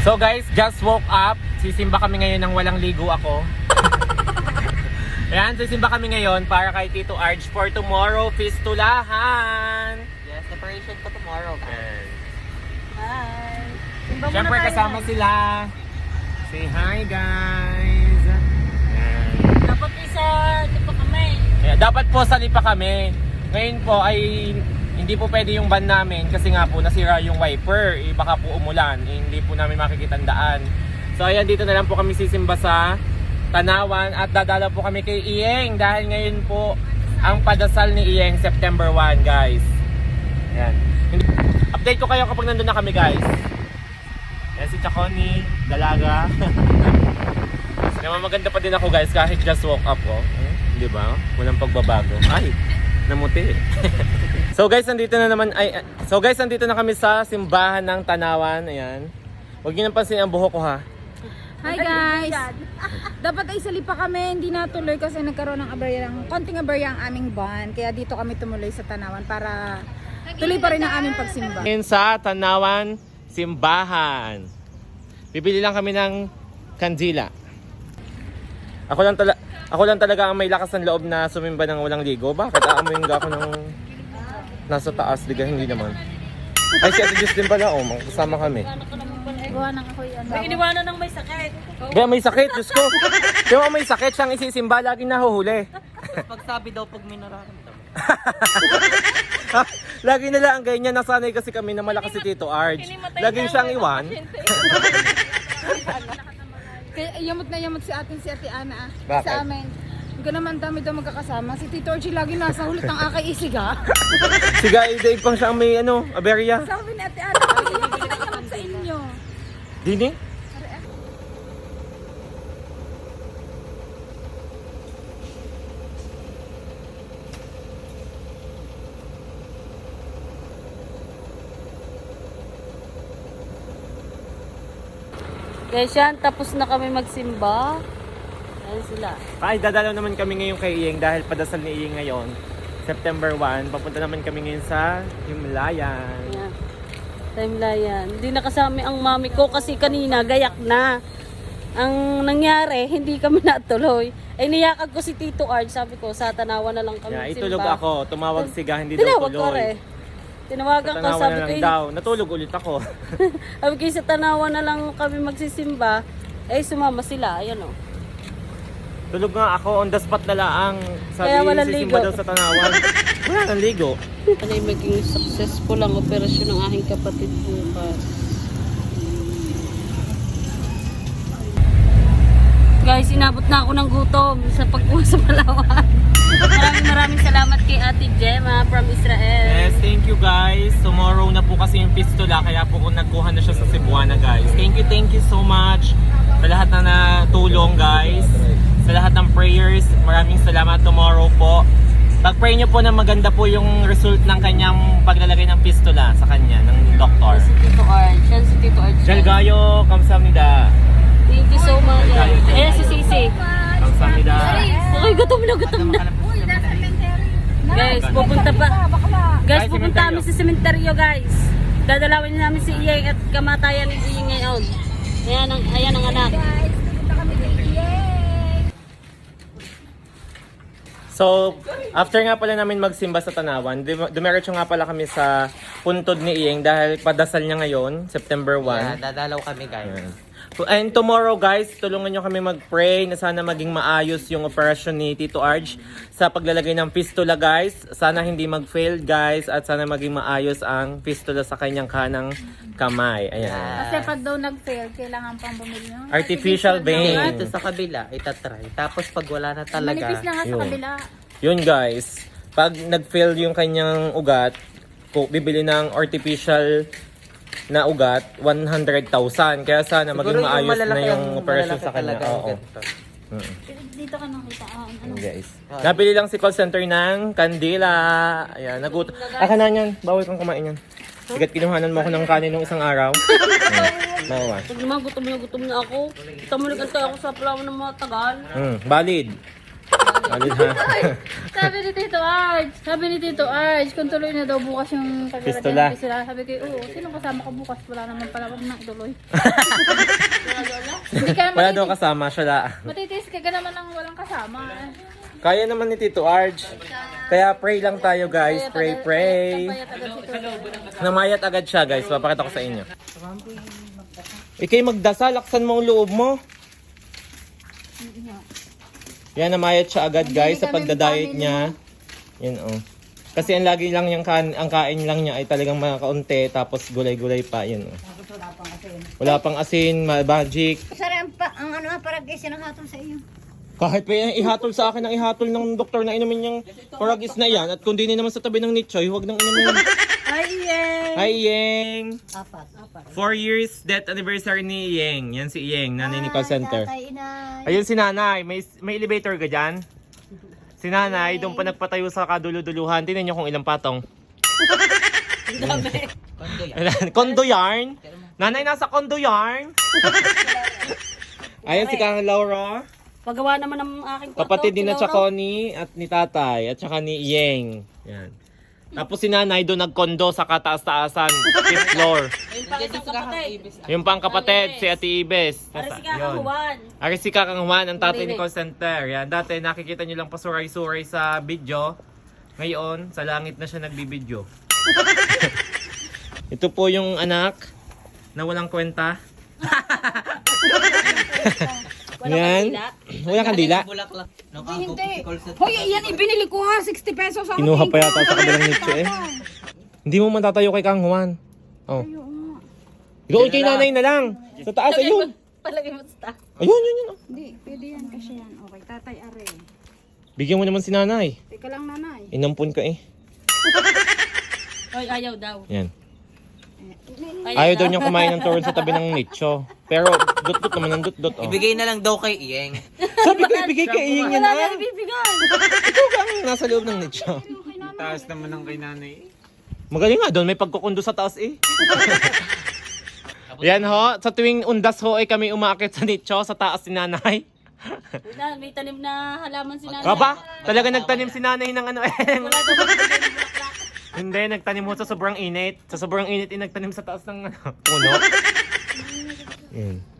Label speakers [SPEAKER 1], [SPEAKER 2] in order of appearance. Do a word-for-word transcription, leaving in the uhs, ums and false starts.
[SPEAKER 1] So guys, just woke up. Sisimba kami ngayon ng walang ligo ako. Ayan, sisimba kami ngayon para kay Tito Arj for tomorrow fistulahan.
[SPEAKER 2] Yes, preparation ko tomorrow.
[SPEAKER 1] Ayan.
[SPEAKER 3] Hi! Simba muna
[SPEAKER 1] Siyempre
[SPEAKER 3] tayo.
[SPEAKER 1] kasama sila. Say hi guys. Ayan.
[SPEAKER 3] Dapat isa, di pa kami.
[SPEAKER 1] Ayan, dapat po sali pa kami. Ngayon po ay hindi po pwede yung van namin kasi nga po nasira yung wiper. Eh, baka po umulan. Eh, hindi po namin makikita ang daan. So ayan, dito na lang po kami sisimba sa Tanawan at dadala po kami kay Iyeng dahil ngayon po ang padasal ni Iyeng September first guys. Ayan. Update ko kayo kapag nandun na kami guys. Ayan si Chaconi, dalaga. Naman maganda pa din ako guys kahit just woke up ko. Oh. Di ba? Walang pagbabago. Ay, namuti. So guys, nandito na naman ay So guys, nandito na kami sa simbahan ng Tanawan. Ayan. Huwag niyo nang pansin ang buhok ko ha.
[SPEAKER 3] Hi guys! Dapat ay sali pa kami, hindi natuloy kasi nagkaroon ng aberya, ng konting aberya ang aming van. Kaya dito kami tumuloy sa Tanawan para tuloy pa rin ang aming pagsimba.
[SPEAKER 1] Ngayon sa Tanawan simbahan. Bibili lang kami ng kandila. Ako lang tala Ako lang talaga ang may lakas ng loob na sumimba ng walang ligo. Bakit aamuin ka ako ng nasa taas? Diga, hindi naman. Ay, si Ate Diyos din pala. Oh, kasama kami.
[SPEAKER 3] Gawa ng ako yan.
[SPEAKER 4] May iniwanan ng may sakit.
[SPEAKER 1] Kaya may sakit, Diyos ko. Kaya may sakit, siyang isisimba, laging nahuhuli.
[SPEAKER 2] Pagsabi daw pag may nararamdaman.
[SPEAKER 1] Lagi nila ang ganyan, nasanay kasi kami na malakas si Tito Arj. Laging siyang iwan.
[SPEAKER 3] Kaya yamot na yamot si atin si Ate Ana ah.
[SPEAKER 1] Bakit?
[SPEAKER 3] Sa amin. Hindi naman dami daw magkakasama. Si Tito Archie lagi nasa hulit ang akay isiga.
[SPEAKER 1] Siga, idaig pang siyang may ano, aberya.
[SPEAKER 3] Sabi ni Ate Ana, yamot na yamot sa inyo.
[SPEAKER 1] Dini?
[SPEAKER 4] Guys yan, tapos na kami magsimba. Ayan sila.
[SPEAKER 1] Ay, dadalaw naman kami ngayon kay Iyeng dahil padasal ni Iyeng ngayon. September first, papunta naman kami ngayon sa Himlayan.
[SPEAKER 4] Ayan. Timelayan. Hindi nakasama ang mami ko kasi kanina gayak na. Ang nangyari, hindi kami natuloy. Ay niyakag ko si Tito Arj. Sabi ko, sa Tanawan na lang kami
[SPEAKER 1] Yeah,
[SPEAKER 4] magsimba.
[SPEAKER 1] itulog ako, tumawag siga, hindi daw
[SPEAKER 4] Tinawag ko
[SPEAKER 1] tuloy.
[SPEAKER 4] rin. Tinawagan ko,
[SPEAKER 1] Tanawan
[SPEAKER 4] sabi
[SPEAKER 1] na
[SPEAKER 4] ko,
[SPEAKER 1] lang daw, natulog ulit ako.
[SPEAKER 4] sabi ko, sa Tanawan na lang kami magsisimba. Eh, sumama sila. Ayan o.
[SPEAKER 1] Tulog nga ako, on the spot na laang. Sabi,
[SPEAKER 4] Kaya walang
[SPEAKER 1] sisimba
[SPEAKER 4] ligo.
[SPEAKER 1] daw sa Tanawan. Wala nang ligo.
[SPEAKER 4] Ano yung maging successful ang operasyon ng aking kapatid bukas. Guys, inabot na ako ng gutom sa pagkuha sa Palawan. Maraming maraming salamat kay Ate Gemma from Israel.
[SPEAKER 1] Yes, thank you guys. Tomorrow na po kasi yung fistula, kaya po kung nagkuha na siya sa Cebuana guys. Thank you, thank you so much sa lahat na natulong guys. Sa lahat ng prayers, maraming salamat. Tomorrow po, pag-pray nyo po na maganda po yung result ng kanyang paglalagay ng fistula sa kanya, ng doktor.
[SPEAKER 4] Si Tito Arj. Yan si Tito Arj.
[SPEAKER 1] Jalgayo, kamsamnida.
[SPEAKER 4] Thank you so much. Ayan si Sisi.
[SPEAKER 1] Kamsamnida.
[SPEAKER 4] Okay, gutom na, gutom na. Guys, pupunta pa. Guys, pupunta kami sa sementeryo guys. Dadalawin namin si Iyeng at kamatayan ni Iyeng ngayon. Ayan ang, ayan ang anak.
[SPEAKER 3] Guys, pupunta kami kay Iyeng.
[SPEAKER 1] So, after nga pala namin magsimba sa Tanawan, dum- dumiretso nga pala kami sa puntod ni Iyeng dahil padasal niya ngayon, September
[SPEAKER 2] Yeah,
[SPEAKER 1] first.
[SPEAKER 2] dadalaw kami guys.
[SPEAKER 1] Ayan. And tomorrow guys, tulungan nyo kami mag-pray na sana maging maayos yung operasyon ni Tito Arj sa paglalagay ng fistula guys. Sana hindi mag-fail guys at sana maging maayos ang fistula sa kanyang kanang kamay. Ayan.
[SPEAKER 3] Kasi pag daw nag-fail, kailangan pang bumili ng
[SPEAKER 1] Artificial vein.
[SPEAKER 2] Dito sa kabila, itatry. Tapos pag wala na talaga,
[SPEAKER 3] Manipis na nga sa
[SPEAKER 1] Yun.
[SPEAKER 3] kabila.
[SPEAKER 1] Yun guys, pag nag-fail yung kanyang ugat, kung bibili ng artificial na ugat, one hundred thousand. Kaya sana
[SPEAKER 2] siguro
[SPEAKER 1] maging maayos na
[SPEAKER 2] malalaki
[SPEAKER 1] yung
[SPEAKER 2] ang-
[SPEAKER 1] operasyon
[SPEAKER 2] malalaki
[SPEAKER 1] sa kanya.
[SPEAKER 2] talaga yung
[SPEAKER 1] Oo.
[SPEAKER 2] ganito.
[SPEAKER 1] Mm.
[SPEAKER 3] Dito ka nakita. Ah, ano?
[SPEAKER 1] Ayan, guys. Nabili lang si call center ng kandila. Ayan, nagutom. Aka na yan. Bawal kang kumain yan. Sigat kinuhanan mo ako ng kanin nung isang araw. Ayan, bawal.
[SPEAKER 4] Pag naman gutom na gutom na ako. Kita mo nagantay ako sa Palawan ng mga tagal.
[SPEAKER 1] Mm, valid. Alin ha?
[SPEAKER 4] Sabi ni Tito Arch, sabi ni Tito Arch, kung tuloy na daw bukas yung
[SPEAKER 1] Pistola.
[SPEAKER 4] pistola. Sabi ko, oo, sino kasama ka bukas? Wala naman pala, wag na ituloy. Hindi ka naman
[SPEAKER 1] Wala daw kasama siya la.
[SPEAKER 4] matitiis ka ka naman ng walang kasama.
[SPEAKER 1] Kaya naman ni Tito Arj. Kaya pray lang tayo guys. Pray, pray. Namayat agad siya guys. Papakita ko sa inyo. Ikay magdasal. Laksan mo ang loob mo. Yan, namayat siya agad guys sa pagda-diet niya. Yan oh. Kasi ang lagi lang yung kan ang kain lang niya ay talagang mga kaunti tapos gulay-gulay pa. Yan oh. Wala pang asin, ma- magic.
[SPEAKER 5] Sarang pa, ang ano nga parang kasi nakahatol sa iyo.
[SPEAKER 1] Kahit pa yan, ihatol sa akin ang ihatol ng doktor na inumin yung Poragis na yan. At kung di naman sa tabi ng Nichoy, huwag nang inumin.
[SPEAKER 3] Hi, Iyeng!
[SPEAKER 1] Hi, Iyeng!
[SPEAKER 5] Apat. Apat.
[SPEAKER 1] Four years death anniversary ni Iyeng. Yan si Iyeng, nanay ni call center.
[SPEAKER 5] Tatay, inay.
[SPEAKER 1] Ayun si nanay, may, may elevator ka dyan? Si nanay, doon pa nagpatayo sa kaduluduluhan. Tingnan nyo kung ilang patong. Kondo yarn? Nanay, nasa kondo yarn? Ayun si Kang Laura.
[SPEAKER 4] Paggawa naman ng aking kwarto.
[SPEAKER 1] Kapatid din na
[SPEAKER 4] si Laura.
[SPEAKER 1] Chaconi at ni tatay at saka ni Iyeng. Yan. Tapos si nanay doon nagkondo sa kataas-taasan, fifth floor.
[SPEAKER 4] Ayun pa isang kapatid.
[SPEAKER 1] Yung pang kapatid, si Ate Ibes.
[SPEAKER 4] Para si
[SPEAKER 1] Yun.
[SPEAKER 4] Kakahuan.
[SPEAKER 1] Arisika Kang Juan, ang tatay ni
[SPEAKER 4] Marinig.
[SPEAKER 1] call center. Yan, dati nakikita nyo lang pasuray-suray sa video. Ngayon, sa langit na siya nagbibideo. Ito po yung anak na walang kwenta.
[SPEAKER 4] Walang
[SPEAKER 1] Yan.
[SPEAKER 4] kandila.
[SPEAKER 1] Walang kandila.
[SPEAKER 2] Bulaklak.
[SPEAKER 3] Hindi. Hoy, yan ibinili ko ha. sixty pesos ang
[SPEAKER 1] Kinuha pa yata sa kabilang nicho eh. Hindi mo man tatayo kay Kang Juan. Oh. Doon kay nanay na lang. Sa taas, ayun.
[SPEAKER 4] Palagay mo sa taas.
[SPEAKER 1] Ayun, yun, yun.
[SPEAKER 3] Hindi, pwede yan kasi yan. Okay, tatay are.
[SPEAKER 1] Bigyan mo naman si nanay.
[SPEAKER 3] Teka lang, nanay.
[SPEAKER 1] Inampun ka eh.
[SPEAKER 4] Ay, ayaw daw.
[SPEAKER 1] Yan. Ayaw daw niyang kumain ng turon sa tabi ng nicho. Pero dot-dot naman ang dot-dot. Oh.
[SPEAKER 2] Ibigay na lang daw kay Iyeng.
[SPEAKER 1] Sabi ko, ibigay kay Iyeng yan
[SPEAKER 4] Wala
[SPEAKER 1] ah.
[SPEAKER 4] na ibibigay.
[SPEAKER 1] Ikaw ka ang nasa loob ng nicho.
[SPEAKER 6] Taas naman ng kay nanay.
[SPEAKER 1] Magaling nga doon, may pagkukundo sa taas eh. Yan ho, sa tuwing undas ho ay kami umaakit sa nicho sa taas si nanay.
[SPEAKER 4] Wala, may tanim na halaman si nanay.
[SPEAKER 1] Aba, talaga nagtanim si nanay ng ano eh.
[SPEAKER 4] Wala daw magbibigay ng bulaklak.
[SPEAKER 1] Hindi, nagtanim mo sa sobrang init. Sa sobrang init, eh, nagtanim sa taas ng ano, puno. Yan.